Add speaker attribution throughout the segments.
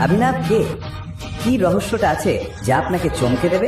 Speaker 1: অভিনব কে? কি রহস্যটা আছে যা আপনাকে চমকে দেবে?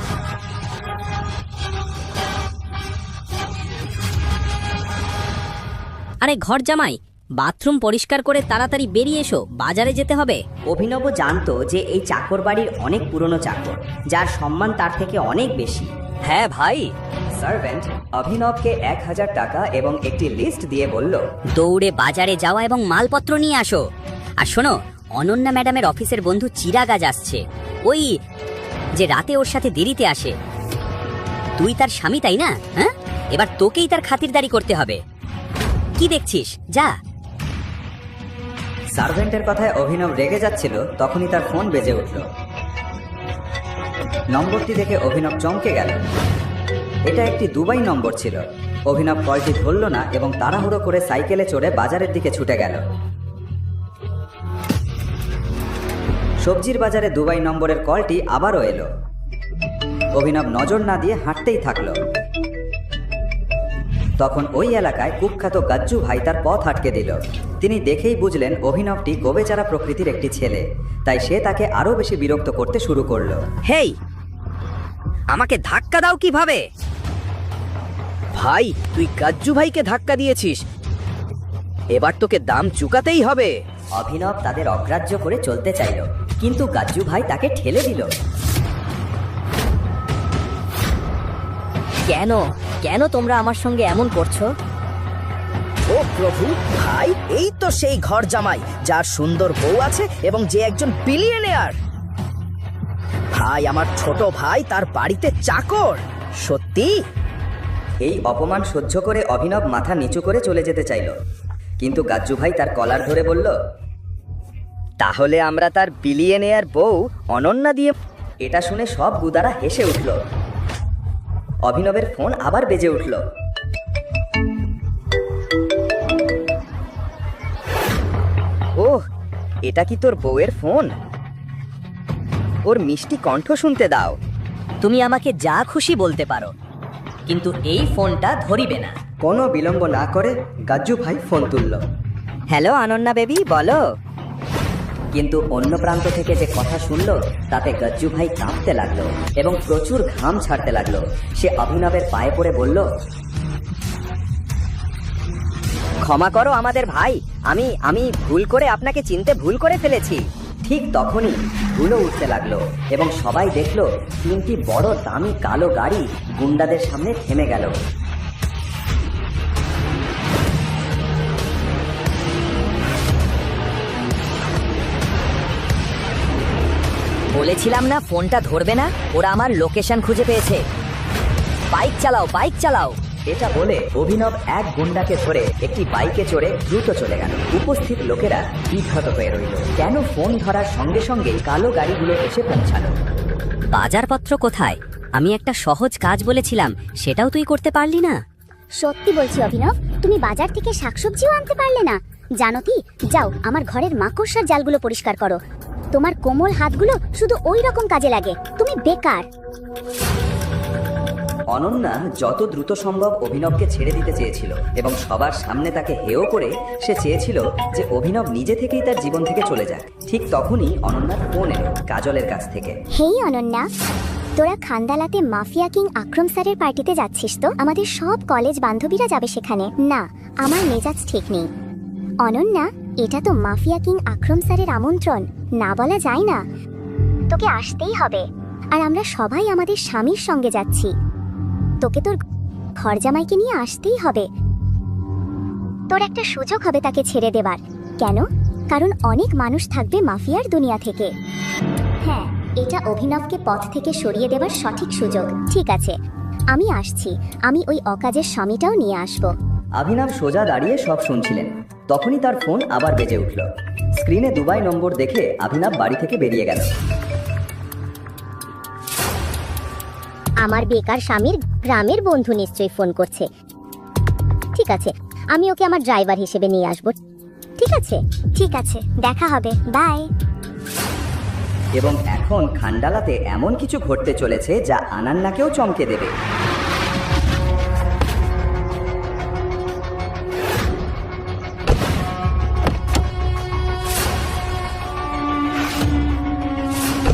Speaker 2: আরে ঘর জামাই, বাথরুম পরিষ্কার করে তাড়াতাড়ি বেরিয়ে এসো, বাজারে যেতে হবে।
Speaker 3: অভিনব জানতো যে এই চাকর বাড়ির অনেক পুরনো চাকর, যার সম্মান তার থেকে অনেক বেশি।
Speaker 1: হ্যাঁ ভাই। সার্ভেন্ট অভিনবকে 1000 টাকা এবং একটি লিস্ট দিয়ে বলল,
Speaker 2: দৌড়ে বাজারে যাওয়া এবং মালপত্র নিয়ে আসো। আর শোনো, অনন্যা ম্যাডামের অফিসের বন্ধু চিরাগ আজ আসছে, ওই যে রাতে ওর সাথে দেরিতে আসে। তুই তার স্বামী তাই না? হ্যাঁ, এবার তোকেই তার খাতিরদারি করতে হবে। কি দেখছিস, যা।
Speaker 1: সার্ভেন্টের কথায় অভিনব রেগে যাচ্ছিল, তখনই তার ফোন বেজে উঠল। নম্বরটি দেখে অভিনব চমকে গেল। এটা একটি দুবাই নম্বর ছিল। অভিনব কলটি ধরল না এবং তাড়াহুড়ো করে সাইকেলে চড়ে বাজারের দিকে ছুটে গেল। সবজির বাজারে দুবাই নম্বরের কলটি আবারও এলো। অভিনব নজর না দিয়ে হাঁটতেই থাকলো। তখন ওই এলাকায় কুখ্যাত গাজ্জু ভাই তার পথ আটকে দিল। তিনি দেখেই বুঝলেন অভিনবটি গোবেচারা প্রকৃতির একটি ছেলে, তাই সে তাকে আরো বেশি বিরক্ত করতে শুরু করলো।
Speaker 2: হেই, আমাকে ধাক্কা দাও কিভাবে?
Speaker 4: ভাই, তুই গাজ্জু ভাইকে ধাক্কা দিয়েছিস, এবার তোকে দাম চুকাতেই হবে।
Speaker 3: অভিনব তাদের অগ্রাহ্য করে চলতে চাইল, কিন্তু গাজ্জু ভাই তাকে ঠেলে দিল।
Speaker 2: কেন কেন তোমরা আমার সঙ্গে এমন করছো?
Speaker 4: ও প্রভু, ভাই এই তো সেই ঘর জামাই যার সুন্দর বউ আছে এবং যে একজন বিলিয়নিয়ার। ভাই, আমার ছোট ভাই তার বাড়িতে চাকর। সত্যি?
Speaker 1: এই অপমান সহ্য করে অভিনব মাথা নিচু করে চলে যেতে চাইল, কিন্তু গাজ্জু ভাই তার কলার ধরে বলল,
Speaker 4: তাহলে আমরা তার বিলিয়নিয়ার বউ অনন্যা দিয়ে।
Speaker 1: এটা শুনে সব গুদারা হেসে উঠল। অভিনবের ফোন আবার বেজে উঠল।
Speaker 4: ওহ, এটা কি তোর বউয়ের ফোন? ওর মিষ্টি কণ্ঠ শুনতে দাও।
Speaker 2: তুমি আমাকে যা খুশি বলতে পারো, কিন্তু এই ফোনটা ধরিবে না।
Speaker 1: কোনো বিলম্ব না করে গাজ্জু ভাই ফোন তুলল।
Speaker 2: হ্যালো অনন্যা বেবি, বলো।
Speaker 1: কিন্তু অন্য প্রান্ত থেকে যে কথা শুনল তাতে গাজ্জু ভাই কাঁপতে লাগলো এবং প্রচুর ঘাম ছাড়তে লাগলো। সে অভিনবের পায়ে পড়ে বলল,
Speaker 2: ক্ষমা করো আমাদের ভাই, আমি ভুল করে আপনাকে চিনতে ভুল করে ফেলেছি।
Speaker 1: ঠিক তখনই ধুলো উঠতে লাগলো এবং সবাই দেখলো 3টি বড় দামি কালো গাড়ি গুন্ডাদের সামনে থেমে গেল।
Speaker 2: বলেছিলাম না ফোনটা ধরবে না? ওরা আমার লোকেশন খুঁজে পেয়েছে। বাইক চালাও, বাইক চালাও।
Speaker 1: এটা বলে অভিনব এক গুন্ডাকে ধরে একটি বাইকে চড়ে দ্রুত চলে গেল। উপস্থিত লোকেরা বিভ্রাত হয়ে রইল। কেন ফোন ধরার সঙ্গে সঙ্গে কালো গাড়িগুলো এসে পৌঁছালো?
Speaker 2: বাজারপত্র কোথায়? আমি একটা সহজ কাজ বলেছিলাম, সেটাও তুই করতে পারলি না।
Speaker 5: সত্যি বলছি অভিনব, তুমি বাজার থেকে শাকসবজিও আনতে পারলে না। জানো কি, যাও আমার ঘরের মাকড়সার জালগুলো পরিষ্কার করো। তোমার কোমল হাতগুলো শুধু ওই রকম কাজে লাগে। তুমি বেকার।
Speaker 1: অনন্যা যত দ্রুত সম্ভব অভিনবকে ছেড়ে দিতে চেয়েছিল এবং সবার সামনে তাকে হেয় করে সে চেয়েছিল যে অভিনব নিজে থেকেই তার জীবন থেকে চলে যাক। ঠিক তখনই অনন্যার ফোন এলো কাজলের কাছ থেকে।
Speaker 5: হেই অনন্যা, তোরা খান্দালাতে মাফিয়া কিং আক্রম স্যারের পার্টিতে যাচ্ছিস তো? আমাদের সব কলেজ বান্ধবীরা যাবে সেখানে। না, আমার মেজাজ ঠিক নেই। অনন্যা, এটা তো মাফিয়া কিং আক্রম স্যারের আমন্ত্রণ, না বলা যায় না। তোকে আসতেই হবে। আর আমরা সবাই আমাদের স্বামীর সঙ্গে যাচ্ছি। তোকে তোর ঘর জামাইকে নিয়ে আসতেই হবে। তোর একটা সুযোগ হবে তাকে ছেড়ে দেবার। কেন? কারণ অনেক মানুষ থাকবে মাফিয়ার দুনিয়া থেকে। হ্যাঁ, এটা অভিনবকে পথ থেকে সরিয়ে দেবার সঠিক সুযোগ। ঠিক আছে, আমি আসছি। আমি ওই অকাজের স্বামীটাও নিয়ে আসব।
Speaker 1: অভিনব সোজা দাঁড়িয়ে সব শুনছিলেন। তখনই তার ফোন আবার বেজে উঠল। স্ক্রিনে দুবাই নম্বর দেখে অভিনব বাড়ি থেকে বেরিয়ে গেল।
Speaker 5: আমার বেকার স্বামীর গ্রামের বন্ধু নিশ্চয়ই ফোন করছে। ঠিক আছে, আমি ওকে আমার ড্রাইভার হিসেবে নিয়ে আসব। ঠিক আছে, ঠিক আছে, দেখা হবে, বাই।
Speaker 1: এবং এখন খান্ডালাতে এমন কিছু ঘটতে চলেছে যা আনান্নাকেও চমকে দেবে।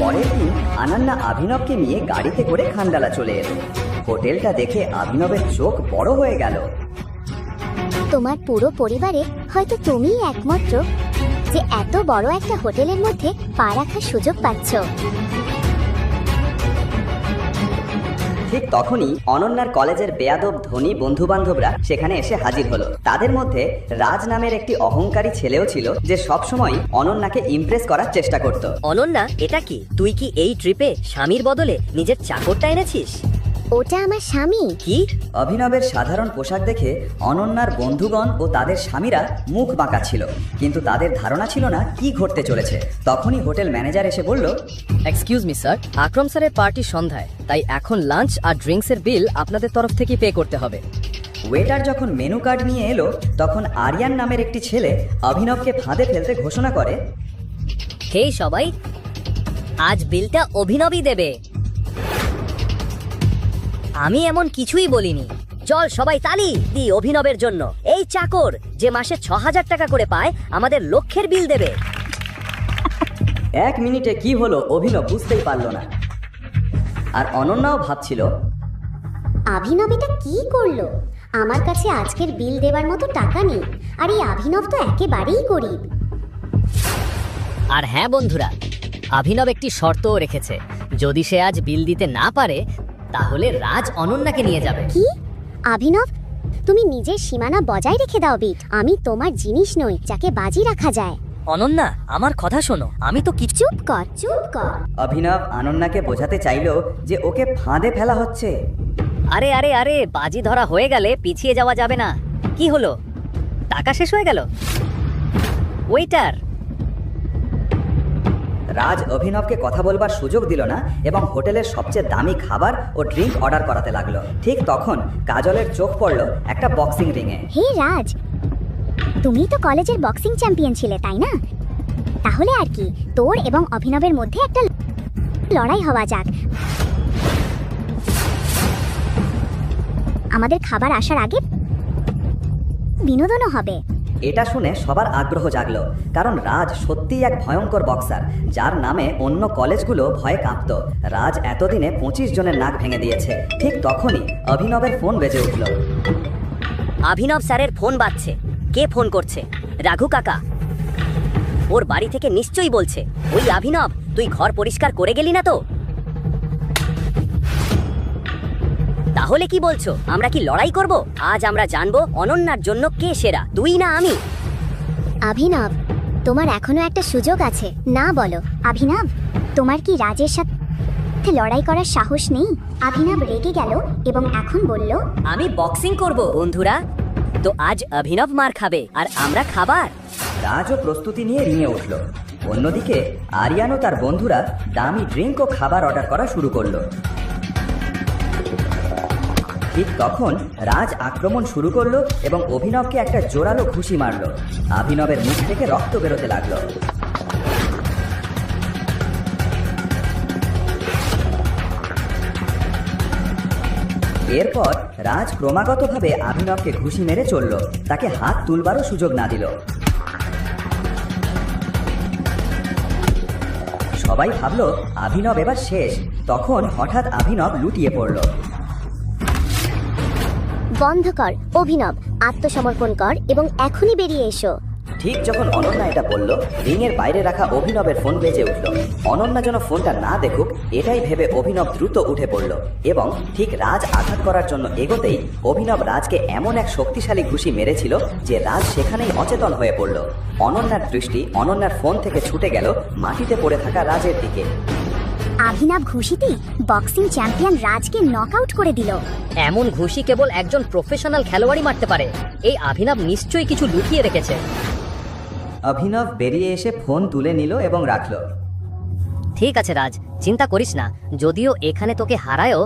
Speaker 1: পরের দিন অনন্যা অভিনবকে নিয়ে গাড়িতে করে খান্ডালা চলে এলো। হোটেলটা দেখে অভিনবের চোখ বড় হয়ে গেল।
Speaker 5: তোমার পুরো পরিবারে হয়তো তুমিই একমাত্র যে এত বড় একটা হোটেলের মধ্যে পা রাখার সুযোগ পাচ্ছ।
Speaker 1: ঠিক তখনই অনন্যার কলেজের বেয়াদব ধনী বন্ধু বান্ধবরা সেখানে এসে হাজির হলো। তাদের মধ্যে রাজ নামের একটি অহংকারী ছেলেও ছিল, যে সবসময় অনন্যাকে ইমপ্রেস করার চেষ্টা করত।
Speaker 2: অনন্যা, এটা কি? তুই কি এই ট্রিপে স্বামীর বদলে নিজের চাকরটা এনেছিস?
Speaker 5: ওটা আমার স্বামী।
Speaker 2: কি?
Speaker 1: অভিনবের সাধারণ পোশাক দেখে অনন্যার বন্ধুগণ ও তাদের স্বামীরা মুখ বাঁকা ছিল, কিন্তু তাদের ধারণা ছিল না কি ঘটতে চলেছে। তখনই হোটেল ম্যানেজার এসে বলল,
Speaker 6: এক্সকিউজ মি স্যার, আকরম স্যারের পার্টি সন্ধ্যায়, তাই এখন লাঞ্চ আর ড্রিঙ্কসের বিল আপনাদের তরফ থেকে পে করতে হবে।
Speaker 1: ওয়েটার যখন মেনু কার্ড নিয়ে এলো, তখন আরিয়ান নামের একটি ছেলে অভিনবকে ফাঁদে ফেলতে ঘোষণা করে,
Speaker 2: হে সবাই, আজ বিলটা অভিনবই দেবে। আমি এমন কিছুই বলিনি। চল সবাই তালি দি অভিনবের জন্য। এই চাকর যে মাসে ৬,০০০ টাকা করে পায়, আমাদের লক্ষের বিল দেবে।
Speaker 1: 1 মিনিটে কি হলো অভিনব বুঝতেই পারলো না। আর অনন্যাও ভাবছিল,
Speaker 5: অভিনব এটা কি করলো? আমার কাছে আজকের বিল দেওয়ার মতো টাকা নেই, আর এই অভিনব তো একেবারেই গরিব।
Speaker 2: আর হ্যাঁ বন্ধুরা, অভিনব একটি শর্তও রেখেছে। যদি সে আজ বিল দিতে না পারে, তাহলে রাজ অনন্যাকে নিয়ে যাবে।
Speaker 5: কি? অভিনব, তুমি নিজের সীমানা বজায় রেখে দাও বিট। আমি তোমার জিনিস নই যাকে বাজি রাখা যায়।
Speaker 2: অনন্যা, আমার কথা শোনো, আমি তো কিছু।
Speaker 5: চুপ কর, চুপ কর।
Speaker 1: অভিনব অনন্যাকে বোঝাতে চাইলো যে ওকে ফাঁদে ফেলা হচ্ছে।
Speaker 2: আরে আরে আরে, বাজি ধরা হয়ে গেলে পিছিয়ে যাওয়া যাবে না। কি হলো? টাকা শেষ হয়ে গেল? ওয়েটার!
Speaker 1: রাজ অভিনবকে কথা বলবার সুযোগ দিল না এবং হোটেলের সবচেয়ে দামি খাবার ও ড্রিঙ্ক অর্ডার করাতে লাগলো। ঠিক তখন কাজলের চোখ পড়ল একটা বক্সিং রিংয়ে।
Speaker 5: হে রাজ, তুমি তো কলেজের বক্সিং চ্যাম্পিয়ন ছিলে, তাই না? তাহলে আর কি, তোর এবং অভিনবের মধ্যে একটা লড়াই হওয়া যাক। আমাদের খাবার আসার আগে বিনোদনও হবে।
Speaker 1: এটা শুনে সবার আগ্রহ জাগলো, কারণ রাজ সত্যিই এক ভয়ঙ্কর বক্সার, যার নামে অন্য কলেজগুলো ভয়ে কাঁপত। রাজ এতদিনে 25 জনের নাক ভেঙে দিয়েছে। ঠিক তখনই অভিনবের ফোন বেজে উঠল।
Speaker 2: অভিনব স্যারের ফোন বাজছে। কে ফোন করছে? রাঘু কাকা। ওর বাড়ি থেকে নিশ্চয়ই বলছে, ওই অভিনব, তুই ঘর পরিষ্কার করে গেলি না তো? তাহলে কি বলছো, আমরা কি লড়াই করব? আজ আমরা জানবো অনন্যার জন্য কে সেরা, তুই না আমি।
Speaker 5: অভিনব, তোমার এখনো একটা সুযোগ আছে, না বলো? অভিনব, তোমার কি রাজের সাথে লড়াই করার সাহস নেই? অভিনব রেগে গেল এবং এখন বলল,
Speaker 2: আমি বক্সিং করব। বন্ধুরা, তো আজ অভিনব মার খাবে আর আমরা খাবার।
Speaker 1: রাজও প্রস্তুতি নিয়ে রিঙে উঠল। অন্যদিকে আরিয়ান ও তার বন্ধুরা দামি ড্রিঙ্ক ও খাবার অর্ডার করা শুরু করলো। ঠিক তখন রাজ আক্রমণ শুরু করলো এবং অভিনবকে একটা জোরালো ঘুষি মারলো। অভিনবের মুখ থেকে রক্ত বেরোতে লাগলো। এরপর রাজ ক্রমাগতভাবে অভিনবকে ঘুষি মেরে চলল, তাকে হাত তুলবারও সুযোগ না দিল। সবাই ভাবলো অভিনব এবার শেষ। তখন হঠাৎ অভিনব লুটিয়ে পড়ল।
Speaker 5: বন্ধ কর অভিনব, আত্মসমর্পণ কর এবং এখনই বেরিয়ে এসো।
Speaker 1: ঠিক যখন অনন্যা এটা বলল, রিংয়ের বাইরে রাখা অভিনবের ফোন বেজে উঠল। অনন্যা যেন ফোনটা না দেখুক এটাই ভেবে অভিনব দ্রুত উঠে পড়ল এবং ঠিক রাজ আঘাত করার জন্য এগোতেই অভিনব রাজকে এমন এক শক্তিশালী ঘুষি মেরেছিল যে রাজ সেখানেই অচেতন হয়ে পড়ল। অনন্যার দৃষ্টি অনন্যার ফোন থেকে ছুটে গেল মাটিতে পড়ে থাকা রাজের দিকে।
Speaker 5: অভিনব ঘুষিতে বক্সিং চ্যাম্পিয়ন রাজকে নকআউট করে দিল।
Speaker 2: এমন ঘুষি কেবল একজন প্রফেশনাল খেলোয়াড়ই মারতে পারে। এই অভিনব নিশ্চয়ই কিছু লুকিয়ে রেখেছে।
Speaker 1: অভিনব বেরিয়ে এসে ফোন তুলে নিল এবং রাখল।
Speaker 2: ঠিক আছে রাজ, চিন্তা করিস না। যদিও এখানে তোকে হারায়ও,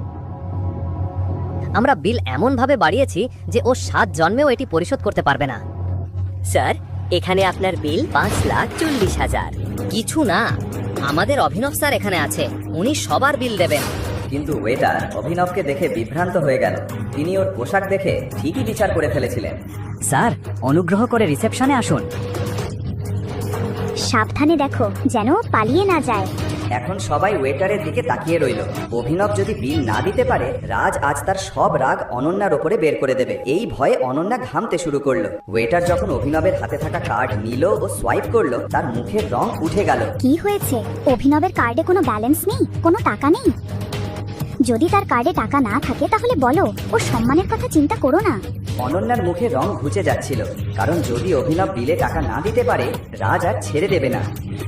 Speaker 2: আমরা বিল এমন ভাবে বাড়িয়েছি যে ও 7 জন্মেও এটি পরিশোধ করতে পারবে না। স্যার, এখানে আপনার বিল 5,40,000। কিছু না, আমাদের অভিনব স্যার এখানে আছে, উনি সবার বিল দেবেন।
Speaker 1: কিন্তু ওয়েটার অভিনবকে দেখে বিভ্রান্ত হয়ে গেল। তিনি ওর পোশাক দেখে ঠিকই বিচার করে ফেলেছিলেন।
Speaker 2: স্যার, অনুগ্রহ করে রিসেপশনে আসুন।
Speaker 5: সাবধানে দেখো যেন পালিয়ে না যায়।
Speaker 1: এখন সবাই ওয়েটারের দিকে তাকিয়ে রইল। অভিনব যদি বিল না দিতে পারে, রাজ আজ তার সব রাগ অনন্যার ওপরে বের করে দেবে। এই ভয়ে অনন্যা ঘামতে শুরু করলো। ওয়েটার যখন অভিনবের হাতে থাকা কার্ড নিল ও সোয়াইপ করলো, তার মুখের রং উঠে গেল।
Speaker 5: কি হয়েছে? অভিনবের কার্ডে কোনো ব্যালেন্স নেই, কোনো টাকা নেই? যদি তার কার্ডে টাকা না থাকে তাহলে বলো, ওর সম্মানের কথা চিন্তা করো না।
Speaker 1: অনন্যার মুখে রং ঘুচে যাচ্ছিল, কারণ যদি অভিনব বিলে টাকা না দিতে পারে, রাজ আর ছেড়ে দেবে না।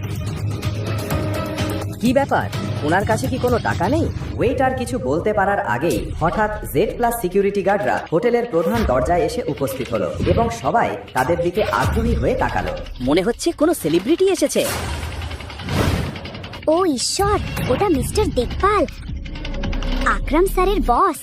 Speaker 6: কি ব্যাপার, ওনার কাছে কি কোনো টাকা নেই?
Speaker 1: ওয়েটার কিছু বলতে পারার আগেই হঠাৎ জেড প্লাস সিকিউরিটি গার্ডরা হোটেলের প্রধান দরজায় এসে উপস্থিত হলো এবং সবাই তাদের দিকে আগ্রহী হয়ে তাকালো।
Speaker 2: মনে হচ্ছে কোনো সেলিব্রিটি এসেছে।
Speaker 5: ও ঈশ্বর, ওটা মিস্টার দেখভাল, আকরাম স্যারের বস।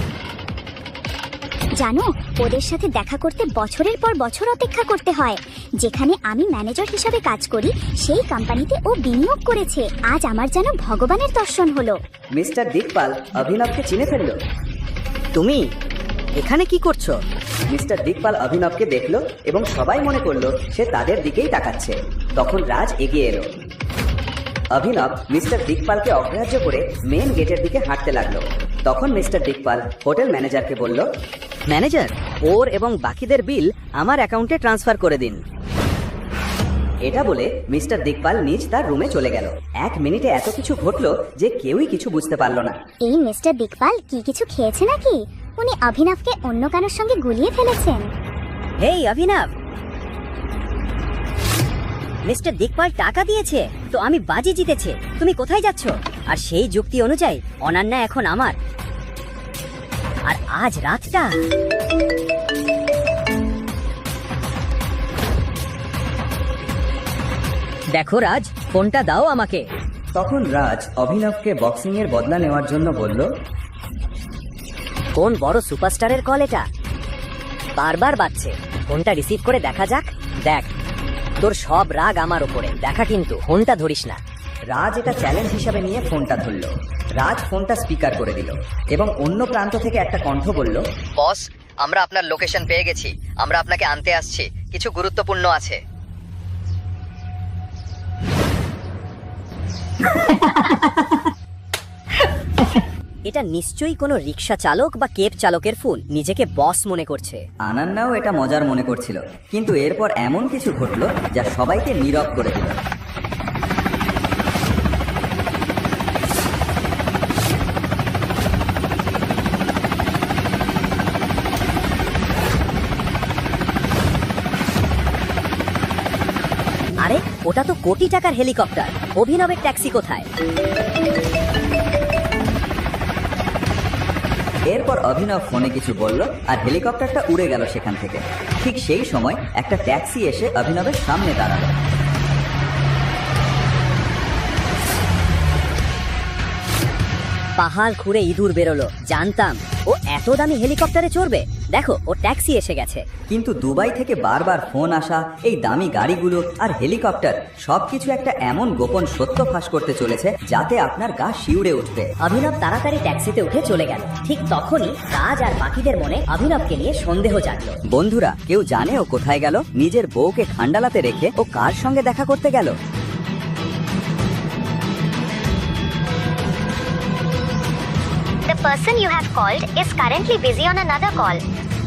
Speaker 5: জানো, ওদের সাথে দেখা করতে বছরের পর বছর অপেক্ষা করতে হয়। যেখানে আমি ম্যানেজার হিসাবে কাজ করি, সেই কোম্পানিতে ও বিনিয়োগ করেছে। আজ আমার যেন ভগবানের দর্শন হলো।
Speaker 1: মিস্টার দিকপাল অভিনবকে চিনে ফেললো।
Speaker 2: তুমি এখানে কি করছো?
Speaker 1: মিস্টার দিকপাল অভিনবকে দেখলো এবং সবাই মনে করলো সে তাদের দিকেই তাকাচ্ছে। তখন রাজ এগিয়ে এলো। অভিনব মিস্টার দিকপালকে অগ্রাহ্য করে মেন গেটের দিকে হাঁটতে লাগলো। তখন মিস্টার দিকপাল হোটেল ম্যানেজারকে বলল,
Speaker 2: ম্যানেজার, ওর এবং বাকিদের বিল আমার অ্যাকাউন্টে ট্রান্সফার করে দিন।
Speaker 1: এটা বলে মিস্টার দিকপাল নিজ তার রুমে চলে গেল। 1 মিনিটে এত কিছু ঘটলো যে কেউই কিছু বুঝতে পারলো না।
Speaker 5: এই মিস্টার দেখভাল কি কিছু খেয়েছে নাকি? উনি অভিনবকে অন্য কারোর সঙ্গে গুলিয়ে ফেলেছেন।
Speaker 2: হেই অভিনব, মিস্টার দিকপাল টাকা দিয়েছে তো আমি বাজি জিতেছে। তুমি কোথায় যাচ্ছ? আর সেই যুক্তি অনুযায়ী অনন্যা এখন আমার। আর আজ রাতটা দেখো রাজ, ফোনটা দাও আমাকে।
Speaker 1: তখন রাজ অভিনবকে বক্সিং এর বদলা নেওয়ার জন্য বলল,
Speaker 2: কোন বড় সুপারস্টারের কল এটা? বারবার বাজছে, ফোনটা রিসিভ করে দেখা যাক। দেখ, তোর সব রাগ আমার উপরে, দেখা কিন্তু ফোনটা ধরিস না।
Speaker 1: রাজ এটা চ্যালেঞ্জ হিসাবে নিয়ে ফোনটা ধরল। রাজ ফোনটা স্পিকার করে দিল এবং অন্য প্রান্ত থেকে একটা কণ্ঠ বলল,
Speaker 6: বস, আমরা আপনার লোকেশন পেয়ে গেছি। আমরা আপনাকে আনতে আসছি, কিছু গুরুত্বপূর্ণ আছে।
Speaker 2: এটা নিশ্চয়ই কোনো রিক্সা চালক বা কেব চালকের ফোন। নিজেকে বস মনে করছে।
Speaker 1: আনান্নাও এটা মজার মনে করছিল, কিন্তু এরপর এমন কিছু ঘটলো যা সবাইকে নীরব করে দিল।
Speaker 2: আরে, ওটা তো কোটি টাকার হেলিকপ্টার। অভিনবের ট্যাক্সি কোথায়?
Speaker 1: এরপর অভিনব ফোনে কিছু বলল আর হেলিকপ্টারটা উড়ে গেল সেখান থেকে। ঠিক সেই সময় একটা ট্যাক্সি এসে অভিনবের সামনে দাঁড়ালো।
Speaker 2: পাহাড় খুঁড়ে ইঁদুর বেরোলো। জানতাম ও এত দামি হেলিকপ্টারে চড়বে। দেখো, ও ট্যাক্সি এসে গেছে।
Speaker 1: কিন্তু দুবাই থেকে বারবার ফোন আসা, এই দামি গাড়িগুলো আর হেলিকপ্টার সবকিছু একটা এমন গোপন সত্য ফাঁস করতে চলেছে যাতে আপনার গা শিউরে উঠবে।
Speaker 2: অভিনব তাড়াতাড়ি ট্যাক্সিতে উঠে চলে গেল। ঠিক তখনই রাজ আর বাকিদের মনে অভিনবকে নিয়ে সন্দেহ জাগলো।
Speaker 1: বন্ধুরা, কেউ জানে ও কোথায় গেল? নিজের বউকে খান্ডালাতে রেখে ও কার সঙ্গে দেখা করতে গেল?
Speaker 5: The person you have called is currently busy on another call.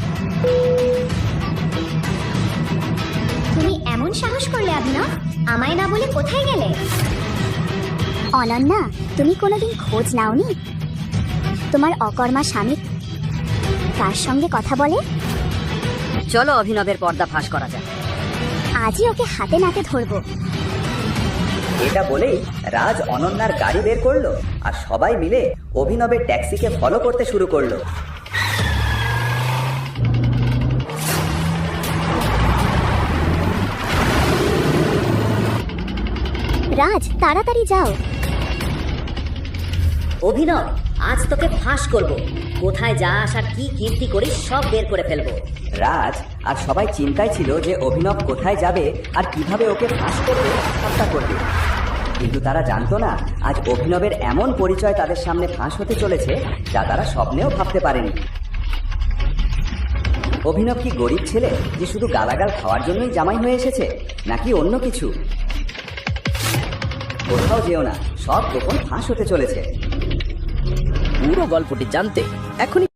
Speaker 5: তুমি এমন সাহস করলে অভিনব? আমায় না বলে কোথায় গেলে? অনন্যা, তুমি কোনোদিন খোঁজ নাওনি তোমার অকর্মা স্বামী কার সঙ্গে কথা বলে?
Speaker 2: চলো অভিনবের পর্দা ফাঁস করা যাক।
Speaker 5: আজই ওকে হাতে নাতে ধরবো।
Speaker 1: এটা বলেই রাজ অনন্যার গাড়ি বের করলো আর সবাই মিলে অভিনবের ট্যাক্সিকে ফলো করতে শুরু করলো।
Speaker 5: রাজ, তাড়াতাড়ি যাও।
Speaker 2: অভিনব, আজ তোকে ফাঁস করব। কোথায় যা আসার কি কীর্তি করিস সব বের করে ফেলবো।
Speaker 1: রাজ আর সবাই চিন্তায় ছিল যে অভিনব কোথায় যাবে আর কিভাবে ওকে ফাঁস করবে, হত্যা করবে। কিন্তু তারা জানতো না আজ অভিনবের এমন পরিচয় তাদের সামনে ফাঁস হতে চলেছে যা তারা স্বপ্নেও ভাবতে পারেনি। অভিনব কি গরিব ছেলে যে শুধু গালাগাল খাওয়ার জন্যই জামাই হয়ে এসেছে, নাকি অন্য কিছু? কোথাও যেও না, সব গোপন ফাঁস হতে চলেছে।
Speaker 4: পুরো গল্পটি জানতে এখনই